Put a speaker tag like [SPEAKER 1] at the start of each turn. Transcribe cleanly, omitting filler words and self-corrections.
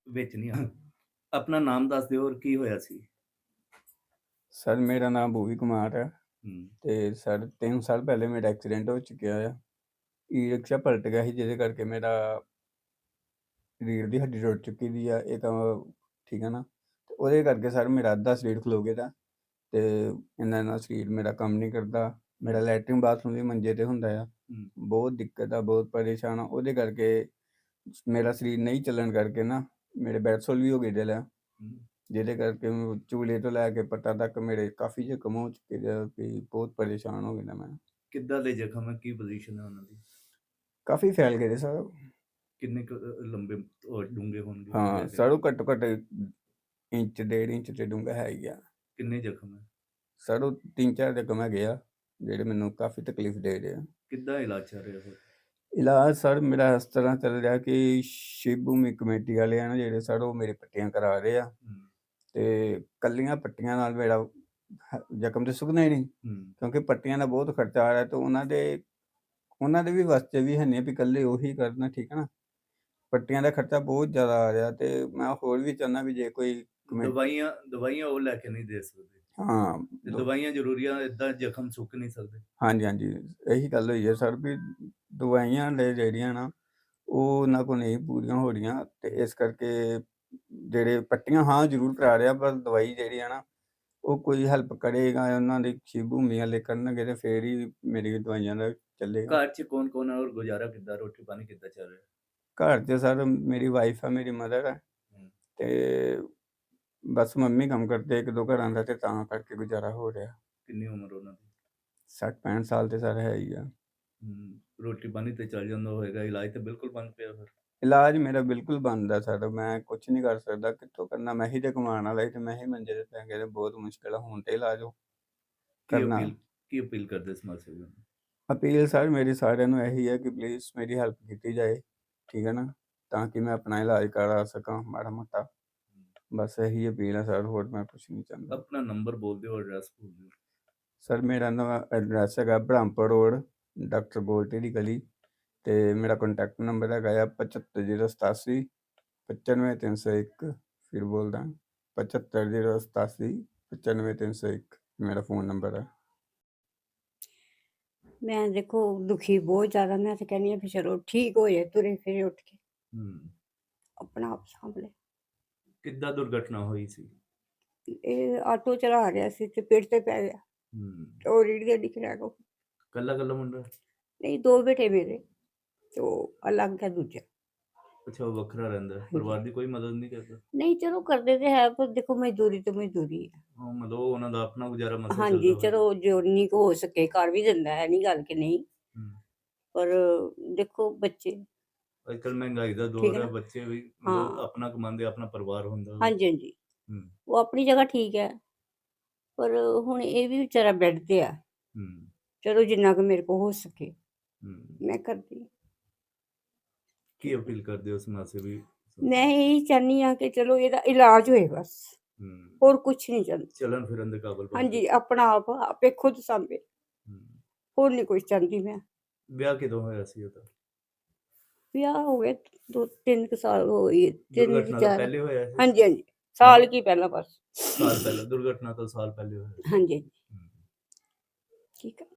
[SPEAKER 1] ਵਿੱਚ ਨਹੀਂ ਆਉਣਾ। ਆਪਣਾ ਨਾਮ ਦੱਸ ਦਿਓ ਔਰ ਕੀ ਹੋਇਆ ਸੀ?
[SPEAKER 2] ਸਰ ਮੇਰਾ ਨਾਮ ਭੂਵੀ ਕੁਮਾਰ ਹੈ
[SPEAKER 1] ਹੂੰ,
[SPEAKER 2] ਤੇ ਸਰ 3 ਸਾਲ ਪਹਿਲੇ ਮੇਰਾ ਐਕਸੀਡੈਂਟ ਹੋ ਚੁੱਕਿਆ ਆ। ਈ-ਰਿਕਸ਼ਾ ਪਲਟ ਗਿਆ ਸੀ ਜਿਹਦੇ ਕਰਕੇ ਮੇਰਾ ਰੀੜ੍ਹ ਦੀ ਹੱਡੀ ਟੁੱਟ ਚੁੱਕੀ ਦੀ ਆ। ਇਹ ਤਾਂ ਠੀਕ ਹੈ ਨਾ, ਤੇ ਉਹਦੇ ਕਰਕੇ ਸਰ ਮੇਰਾ ਅੱਧਾ ਸਰੀਰ ਖਲੋ ਗਿਆ ਤੇ ਇੰਨਾ ਸਰੀਰ ਮੇਰਾ ਕੰਮ ਨਹੀਂ ਕਰਦਾ। ਮੇਰਾ ਲੈਟਰਿਨ ਬਾਥਰੂਮ ਵੀ ਮੰਜੇ ਤੇ ਹੁੰਦਾ ਆ।
[SPEAKER 1] ਹੂੰ,
[SPEAKER 2] ਬਹੁਤ ਦਿੱਕਤ ਆ, ਬਹੁਤ ਪਰੇਸ਼ਾਨ ਆ। ਉਹਦੇ ਕਰਕੇ ਮੇਰਾ ਸਰੀਰ ਨਹੀਂ ਚੱਲਣ ਕਰਕੇ ਨਾ ਮੇਰੇ ਬੈਡਸੋਲ ਵੀ ਹੋ ਗਏ ਦਿਲ ਆ,
[SPEAKER 1] ਹੂੰ।
[SPEAKER 2] ਜਿਹਦੇ ਕਰਕੇ ਚੂਲੇ ਤੋਂ ਲੈ ਕੇ ਪੱਟਾਂ ਤੱਕ ਮੇਰੇ ਕਾਫੀ ਜ਼ਖਮ ਹੋ ਚੁੱਕੇ ਆ ਕਿ ਬਹੁਤ ਪਰੇਸ਼ਾਨ ਹੋ ਗਿਆ ਮੈਂ।
[SPEAKER 1] ਕਿੱਦਾਂ ਦੇ ਜ਼ਖਮ ਹੈ? ਕੀ ਪੋਜੀਸ਼ਨ ਹੈ ਉਹਨਾਂ ਦੀ?
[SPEAKER 2] ਕਾਫੀ ਫੈਲ ਗਏ ਸਰ।
[SPEAKER 1] ਕਿੰਨੇ ਕੁ ਲੰਬੇ ਔਰ ਡੂੰਘੇ ਹੋਣਗੇ
[SPEAKER 2] ਹਾਂ
[SPEAKER 1] ਵੈਸੇ?
[SPEAKER 2] ਸਰ, ਉਹ ਘੱਟੋ ਘੱਟ ਇੰਚ 1.5 ਇੰਚ ਤੇ ਡੂੰਘਾ ਹੈ ਹੀ ਆ।
[SPEAKER 1] ਕਿੰਨੇ ਜ਼ਖਮ ਹੈ?
[SPEAKER 2] ਸਰ ਉਹ 3-4 ਜ਼ਖਮ ਹੈਗੇ ਆ ਜਿਹੜੇ ਮੈਨੂੰ ਕਾਫੀ ਤਕਲੀਫ ਦੇ ਰਹੇ ਆ।
[SPEAKER 1] ਕਿੱਦਾਂ ਇਲਾਜ ਚੱਲ ਰਿਹਾ ਫਿਰ?
[SPEAKER 2] ਇਲਾਜ ਸਰ ਮੇਰਾ ਇਸ ਤਰ੍ਹਾਂ ਚੱਲ ਰਿਹਾ ਕਿ ਸ਼ਿਵ ਭੂਮੀ ਕਮੇਟੀ ਵਾਲੇ ਆ ਨਾ ਜਿਹੜੇ ਸਰ, ਉਹ ਮੇਰੇ ਪੱਟੀਆਂ ਕਰਾ ਰਹੇ ਆ
[SPEAKER 1] ਹੂੰ,
[SPEAKER 2] ਤੇ ਕੱਲੀਆਂ ਪੱਟੀਆਂ ਨਾਲ ਮੇਰਾ ਜ਼ਖਮ ਤੇ ਸੁੱਕਣਾ ਹੀ ਨਹੀਂ,
[SPEAKER 1] ਹੂੰ।
[SPEAKER 2] ਕਿਉਂਕਿ ਪੱਟੀਆਂ ਦਾ ਬਹੁਤ ਖਰਚਾ ਆ ਰਿਹਾ ਤੇ ਉਹਨਾਂ ਦੇ ਵੀ ਵਾਸਤੇ ਵੀ ਹੈ ਨਹੀਂ ਵੀ ਇਕੱਲੇ ਉਹੀ ਕਰਨਾ, ਠੀਕ ਹੈ ਨਾ। ਪੱਟੀਆਂ ਦਾ ਖਰਚਾ ਬਹੁਤ ਜ਼ਿਆਦਾ ਆ ਰਿਹਾ ਤੇ ਮੈਂ ਹੋਰ ਵੀ ਚਾਹੁੰਦਾ ਵੀ ਜੇ ਕੋਈ
[SPEAKER 1] ਦਵਾਈਆਂ ਉਹ ਲੈ ਕੇ ਨਹੀਂ ਦੇ ਸਕਦੇ
[SPEAKER 2] ਹਾਂ
[SPEAKER 1] ਤੇ ਦਵਾਈਆਂ ਜ਼ਰੂਰੀਆਂ, ਏਦਾਂ ਜ਼ਖਮ ਸੁੱਕ ਨਹੀਂ ਸਕਦੇ।
[SPEAKER 2] ਹਾਂਜੀ ਹਾਂਜੀ, ਇਹੀ ਗੱਲ ਹੋਈ ਹੈ ਸਰ ਵੀ ਦਵਾਈਆਂ ਨੇ ਜਿਹੜੀਆਂ ਨਾ ਉਹ ਉਹਨਾਂ ਕੋਲ ਨਹੀਂ ਪੂਰੀਆਂ ਹੋ ਰਹੀਆਂ ਤੇ ਇਸ ਕਰਕੇ ਜਿਹੜੇ ਪੱਟੀਆਂ ਹਾਂ ਜ਼ਰੂਰ ਕਰਾ ਰਿਹਾ, ਪਰ ਦਵਾਈ ਜਿਹੜੀ ਆ ਨਾ ਉਹ ਕੋਈ ਹੈਲਪ ਕਰੇਗਾ ਉਹਨਾਂ ਦੀ ਸ਼ਿਵ ਭੂਮੀ ਵਾਲੇ ਕਰਨਗੇ ਤੇ ਫੇਰ ਹੀ ਮੇਰੀ ਦਵਾਈਆਂ ਦਾ ਚੱਲੇਗਾ।
[SPEAKER 1] ਘਰ 'ਚ ਕੌਣ-ਕੌਣ ਹੈ ਔਰ ਗੁਜ਼ਾਰਾ ਕਿੱਦਾਂ, ਰੋਟੀ ਪਾਣੀ ਕਿੱਦਾਂ ਚੱਲ ਰਿਹਾ?
[SPEAKER 2] ਘਰ 'ਚ ਸਰ ਮੇਰੀ ਵਾਈਫ ਆ, ਮੇਰੀ ਮਦਰ ਆ
[SPEAKER 1] ਹੂੰ।
[SPEAKER 2] ਤੇ ਬਸ ਮੰਮੀ ਕੰਮ ਕਰਦੇ ਇੱਕ ਦੋ ਘਰਾਂ ਦਾ ਤੇ ਤਾਂ ਕਰਕੇ ਗੁਜ਼ਾਰਾ ਹੋ ਰਿਹਾ।
[SPEAKER 1] ਕਿੰਨੀ ਉਮਰ ਉਹਨਾਂ ਦੀ?
[SPEAKER 2] 60-65 ਸਾਲ ਤੇ ਸਰ ਹੈ ਹੀ ਆ।
[SPEAKER 1] ਹੂੰ, ਰੋਟੀ ਪਾਣੀ ਤੇ ਚੱਲ ਜਾਂਦਾ ਹੋਏਗਾ, ਇਲਾਜ ਤੇ ਬਿਲਕੁਲ ਬੰਦ ਪਿਆ ਫਿਰ?
[SPEAKER 2] ਇਲਾਜ ਮੇਰਾ ਬਿਲਕੁਲ ਬੰਦ ਆ ਸਰ, ਮੈਂ ਕੁਛ ਨਹੀਂ ਕਰ ਸਕਦਾ, ਕਿੱਥੋਂ ਕਰਨਾ? ਮੈਂ ਹੀ ਤੇ ਕਮਾਉਣ ਵਾਲਾ ਸੀ ਤੇ ਮੈਂ ਹੀ ਮੰਜੇ ਤੇ ਪੈ ਗਿਆ ਤੇ ਬਹੁਤ ਮੁਸ਼ਕਿਲ ਆ ਹੁਣ ਤੇ ਇਲਾਜ
[SPEAKER 1] ਕੀ
[SPEAKER 2] ਕਰਨਾ।
[SPEAKER 1] ਅਪੀਲ ਕੀ ਅਪੀਲ ਕਰਦੇ ਸਮਾਜ ਸੇਵੀਆਂ ਨੂੰ?
[SPEAKER 2] ਅਪੀਲ ਸਰ ਮੇਰੀ ਸਾਰਿਆਂ ਨੂੰ ਇਹੀ ਹੈ ਕਿ ਪਲੀਜ਼ ਮੇਰੀ ਹੈਲਪ ਕੀਤੀ ਜਾਏ, ਠੀਕ ਹੈ ਨਾ, ਤਾਂ ਕਿ ਮੈਂ ਆਪਣਾ ਇਲਾਜ ਕਰਾ ਸਕਾਂ ਮਾੜਾ ਮੋਟਾ। ਬਸ ਇਹੀ ਅਪੀਲ ਹੈ ਸਰ, ਹੋਰ ਮੈਂ ਕੁਛ ਨਹੀਂ ਚਾਹੁੰਦਾ।
[SPEAKER 1] ਆਪਣਾ ਨੰਬਰ ਬੋਲ ਦਿਓ, ਐਡਰੈਸ ਬੋਲ ਦਿਓ।
[SPEAKER 2] ਸਰ ਮੇਰਾ ਨਵਾਂ ਐਡਰੈਸ ਹੈਗਾ ਬ੍ਰਹਮਪੁਰ ਰੋਡ, ਡਾਕਟਰ ਗੋਲਟੀ ਦੀ ਗਲੀ ਤੇ ਮੇਰਾ ਕੰਟੈਕਟ ਨੰਬਰ ਹੈਗਾ ਆ 75087 95301। ਫਿਰ ਬੋਲਦਾ 75087 95301 ਮੇਰਾ ਫ਼ੋਨ ਨੰਬਰ ਹੈ।
[SPEAKER 3] ਮੈਂ ਦੇਖੋ ਦੁਖੀ ਬਹੁਤ ਜ਼ਿਆਦਾ, ਮੈਂ ਤਾਂ ਕਹਿੰਦੀ ਹਾਂ ਵੀ ਚਲੋ ਠੀਕ ਹੋ ਜਾਏ, ਤੁਰੇ ਫਿਰੇ ਉੱਠ ਕੇ
[SPEAKER 1] ਹੂੰ।
[SPEAKER 3] ਆਪਣਾ ਆਪ ਸਾਂਭ ਲੈ।
[SPEAKER 1] ਕਿੱਦਾਂ ਦੁਰਘਟਨਾ ਹੋਈ ਸੀ?
[SPEAKER 3] ਇਹ ਆਟੋ ਚਲਾ ਰਿਹਾ ਸੀ ਤੇ ਪੇੜ ਤੇ ਪੈ ਗਿਆ
[SPEAKER 1] ਹੂੰ।
[SPEAKER 3] ਤੇ ਉਹ ਰੀੜ ਦੀ ਹੱਡੀ ਖਿਲਾ ਕੋ।
[SPEAKER 1] ਕੱਲਾ ਮੁੰਡਾ?
[SPEAKER 3] ਨਹੀਂ, ਦੋ ਬੇਟੇ ਮੇਰੇ ਤੇ ਉਹ ਅਲੱਗ ਹੈ ਦੂਜਾ।
[SPEAKER 1] ਅੱਛਾ, ਉਹ ਵੱਖਰਾ ਰਹਿੰਦਾ ਹੈ। ਪਰਿਵਾਰ ਦੀ ਕੋਈ ਮਦਦ ਨਹੀਂ ਕਰਦਾ?
[SPEAKER 3] ਨਹੀਂ, ਚਲੋ ਕਰਦੇ ਤੇ ਹੈ ਪਰ ਦੇਖੋ ਮਜ਼ਦੂਰੀ ਤੇ ਮਜ਼ਦੂਰੀ ਹੈ।
[SPEAKER 1] ਹਾਂ, ਮਤਲਬ ਉਹ ਉਹਨਾਂ ਦਾ ਆਪਣਾ ਗੁਜ਼ਾਰਾ ਮਸਾਂ ਚੱਲਦਾ
[SPEAKER 3] ਹਾਂਜੀ,
[SPEAKER 1] ਹੋਏਗਾ।
[SPEAKER 3] ਚਲੋ ਜਿੰਨੀ ਕੁ ਹੋ ਸਕੇ ਕਰ ਵੀ ਦਿੰਦਾ ਹੈ, ਨਹੀਂ ਗੱਲ ਕਿ ਨਹੀਂ,
[SPEAKER 1] ਹੂੰ।
[SPEAKER 3] ਪਰ ਦੇਖੋ ਬੱਚੇ।
[SPEAKER 1] ਅੱਜ ਕੱਲ੍ਹ ਮਹਿੰਗਾਈ ਦਾ
[SPEAKER 3] ਠੀਕ
[SPEAKER 1] ਦੌਰ
[SPEAKER 3] ਹੈ
[SPEAKER 1] ਹੈ,
[SPEAKER 3] ਨਾ।
[SPEAKER 1] ਬੱਚੇ ਵੀ
[SPEAKER 3] ਹਾਂ।
[SPEAKER 1] ਮਤਲਬ ਆਪਣਾ ਕਮਾਉਂਦੇ, ਆਪਣਾ ਪਰਿਵਾਰ ਹੁੰਦਾ।
[SPEAKER 3] ਹਾਂਜੀ ਹਾਂਜੀ,
[SPEAKER 1] ਹੂੰ,
[SPEAKER 3] ਉਹ ਆਪਣੀ ਜਗ੍ਹਾ ਠੀਕ ਹੈ, ਪਰ ਹੁਣ ਇਹ ਵੀ ਵਿਚਾਰਾ ਬੈੱਡ ਤੇ ਆ।
[SPEAKER 1] ਹੂੰ,
[SPEAKER 3] ਚਲੋ ਜਿੰਨਾ ਕੁ ਮੇਰੇ ਕੋਲ ਹੋ ਸਕੇ
[SPEAKER 1] ਹੂੰ।
[SPEAKER 3] ਮੈਂ ਕਰਦੀ ਹਾਂ।
[SPEAKER 1] ਕੀ ਅਪੀਲ ਕਰਦੇ ਹੋ ਸਮਾਜ ਸੇਵੀ?
[SPEAKER 3] ਮੈਂ ਇਹੀ ਚਾਹੁੰਦੀ ਹਾਂ ਕਿ ਚਲੋ ਇਹਦਾ ਇਲਾਜ ਹੋਏ ਬਸ,
[SPEAKER 1] ਹੂੰ।
[SPEAKER 3] ਹੋਰ ਕੁਛ ਨਹੀਂ ਚਾਹੁੰਦੀ।
[SPEAKER 1] ਚਲਨ ਫਿਰਨ ਦੇ ਕਾਬਲ ਬਣ
[SPEAKER 3] ਹਾਂਜੀ,
[SPEAKER 1] ਜਾਏ।
[SPEAKER 3] ਆਪਣਾ ਆਪ ਆਪੇ ਖੁਦ ਸਾਂਭੇ,
[SPEAKER 1] ਹੂੰ।
[SPEAKER 3] ਹੋਰ ਨਹੀਂ ਕੁਛ ਚਾਹੁੰਦੀ ਮੈਂ।
[SPEAKER 1] ਵਿਆਹ ਕਦੋਂ ਹੋਇਆ ਸੀ ਉਹਦਾ?
[SPEAKER 3] ਵਿਆਹ ਹੋ ਗਏ 2-3 ਕੁ ਸਾਲ ਹੋ ਗਏ, 3
[SPEAKER 1] ਦੁਰਘਟਨਾ ਤੋਂ
[SPEAKER 3] 4।
[SPEAKER 1] ਪਹਿਲੇ ਹੋਇਆ ਸੀ?
[SPEAKER 3] ਹਾਂਜੀ ਹਾਂਜੀ, ਸਾਲ ਕੀ ਪਹਿਲਾਂ ਬਸ।
[SPEAKER 1] ਸਾਲ ਪਹਿਲਾਂ, ਦੁਰਘਟਨਾ ਤੋਂ ਸਾਲ ਪਹਿਲੇ ਹੋਇਆ ਸੀ।
[SPEAKER 3] ਹਾਂਜੀ ਹਾਂਜੀ,
[SPEAKER 1] ਹੂੰ।
[SPEAKER 3] ਠੀਕ ਹੈ।